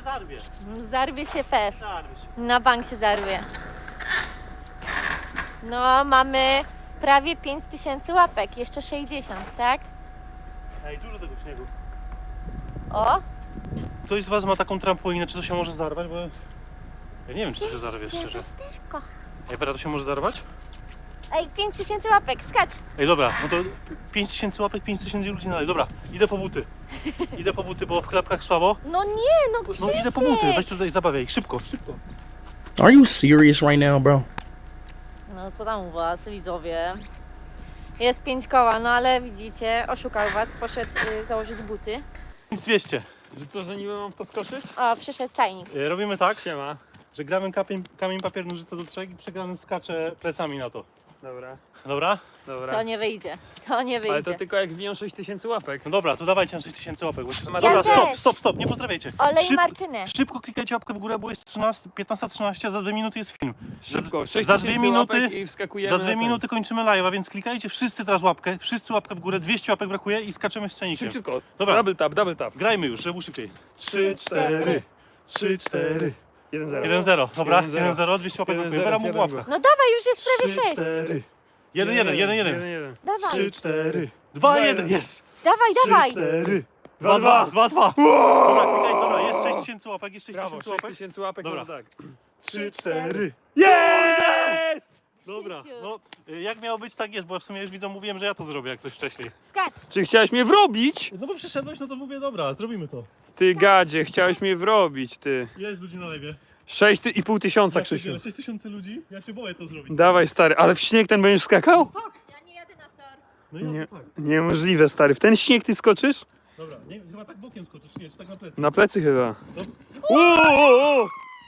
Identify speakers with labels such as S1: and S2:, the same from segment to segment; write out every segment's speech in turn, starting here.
S1: zarwie.
S2: Zarwie się fest.
S1: Zarwie się.
S2: Na bank się zarwie. No, mamy prawie 5000 łapek, jeszcze 60, tak?
S1: Ej, dużo tego śniegu.
S2: O,
S1: Ktoś z was ma taką trampolinę, czy to się może zarwać? Bo ja nie wiem, czy to się zarwie, szczerze.
S2: Piasteczko.
S1: Ej, Wera, to się może zarwać?
S2: Ej, 5000 łapek, skacz.
S1: Ej, dobra, no to 5000 łapek, 5000 ludzi dalej. Dobra, idę po buty. Idę po buty, bo w klapkach słabo.
S2: No nie, no
S1: No
S2: Krzysiek.
S1: idę po buty, weź tutaj, zabawiaj, szybko, szybko.
S3: Are you serious right now, bro?
S2: No co tam u was, widzowie? Jest 5 koła, no ale widzicie, oszukał was, poszedł założyć buty.
S1: Nic 200.
S4: Że co, że niby mam w to skoczyć?
S2: O, przyszedł czajnik.
S1: Robimy tak,
S4: Siema.
S1: że gramy kamień, papier, nożyce do 3 i przegrany skacze plecami na to.
S4: Dobra,
S1: Dobra?
S4: dobra.
S2: To nie wyjdzie, to nie wyjdzie.
S4: Ale to tylko jak wbiją 6000 łapek.
S1: No dobra, to dawajcie na 6000 łapek. Bo się...
S4: Ja
S1: Dobra,
S2: też.
S1: stop, nie pozdrawiajcie.
S2: Olej Martynę.
S1: Szybko klikajcie łapkę w górę, bo jest 15:13, za 2 minuty jest film.
S4: Szybko,
S1: za
S4: 6000
S1: 2 minuty,
S4: łapek i wskakujemy
S1: za
S4: na
S1: 2
S4: ten.
S1: minuty kończymy live'a, więc klikajcie wszyscy teraz łapkę, wszyscy łapkę w górę, 200 łapek brakuje i skaczemy z scenikiem.
S4: Szybciutko.
S1: Dobra.
S4: Double tap.
S1: Grajmy już, żeby było szybciej. 3, 4, 3, 4,
S4: 1-0.
S1: 1-0. Dobra,
S4: 1-0.
S1: 1-0, 200 łapek
S4: 1-0,
S1: brakuje. Wera mu w
S4: 1-0.
S1: łapkę.
S2: No dawaj, już jest prawie 6.
S1: 4, 1, 1, 1, 1.
S4: 1-1.
S2: Dawaj,
S1: 3, 4, 2, 1, jest.
S2: dawaj.
S1: 4, 2, 2, 2, 2. Dobra, klikaj, dobra, jest 6000 łapek, jest
S4: Brawo,
S1: 6000 łapek.
S4: 6000 łapek,
S1: Dobra.
S4: no tak.
S1: 3, 4.
S4: Jest!
S1: Dobra,
S2: Krzysiu.
S1: no jak miało być, tak jest, bo w sumie już widzą, mówiłem, że ja to zrobię jak coś wcześniej.
S2: Skacz.
S4: Czy chciałeś mnie wrobić?
S1: No bo przyszedłeś, no to mówię, dobra, zrobimy to.
S4: Ty gadzie, chciałeś mnie wrobić, ty.
S1: Jest ludzi na lewie.
S4: 6,5 tysiąca, Krzysiu.
S1: 6000 ludzi, ja się boję to zrobić.
S4: Dawaj, stary, ale w śnieg ten będziesz skakał?
S2: Ja nie jadę na SOR.
S1: No i
S4: Nie,
S1: ja to tak.
S4: niemożliwe, stary. W ten śnieg ty skoczysz?
S1: Dobra, nie, chyba tak bokiem skoczysz, nie, czy tak na plecy.
S4: Na plecy chyba.
S1: Dobra,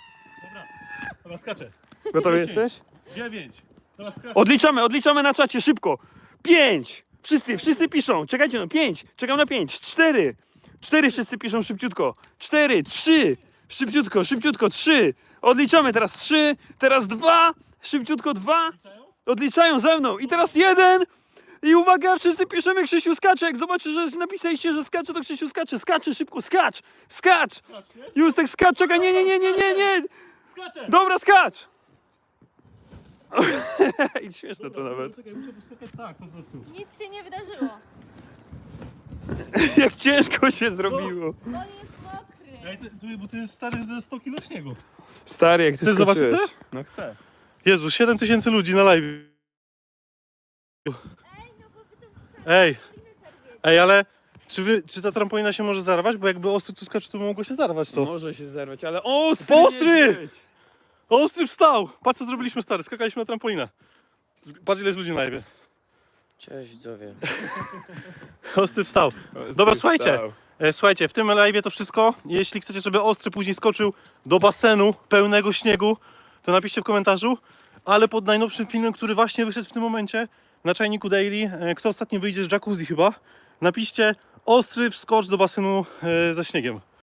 S1: dobra, skaczę.
S4: Gotowy
S1: 10,
S4: jesteś?
S1: 9, dobra, skracam.
S4: Odliczamy na czacie, szybko. 5. Wszyscy piszą. Czekajcie, no 5. Czekam na 5. 4. 4 wszyscy piszą szybciutko. 4, 3. Szybciutko 3. Odliczamy teraz 3, teraz 2. Szybciutko 2. Odliczają ze mną. I teraz 1. I uwaga, wszyscy piszemy Krzysiu skacze. Jak zobaczysz, że napisaliście, że skacze, to Krzysiu skacze. Skacze szybko, skacz. Justek skacz, czekaj, nie.
S1: Skaczę!
S4: Dobra, skacz. I śmieszne to nawet.
S1: Czekaj, muszę poskakać tak po prostu.
S2: Nic się nie wydarzyło.
S4: Jak ciężko się zrobiło.
S2: On jest mokry.
S1: Ej, bo to jest stary ze 100 kg śniegu.
S4: Stary, jak ty
S1: Chcesz zobaczyć
S4: skoczyłeś.
S1: co?
S4: No chcę.
S1: Jezu, 7000 ludzi na live. Ej, ale czy ta trampolina się może zarwać? Bo jakby ostry tu skacze, to mogło się zarwać to.
S4: Może się zerwać, ale ostry!
S1: Ostry!
S4: niedźwiedź!
S1: Ostry wstał! Patrz co zrobiliśmy stary, skakaliśmy na trampolinę. Patrz ile jest ludzi na live.
S3: Cześć widzowie.
S1: Ostry wstał.
S4: Ostry
S1: Dobra, słuchajcie.
S4: wstał.
S1: Słuchajcie, w tym live to wszystko. Jeśli chcecie, żeby Ostry później skoczył do basenu pełnego śniegu, to napiszcie w komentarzu. Ale pod najnowszym filmem, który właśnie wyszedł w tym momencie na Czajniku Daily, kto ostatnio wyjdzie z jacuzzi chyba, napiszcie Ostry wskocz do basenu ze śniegiem.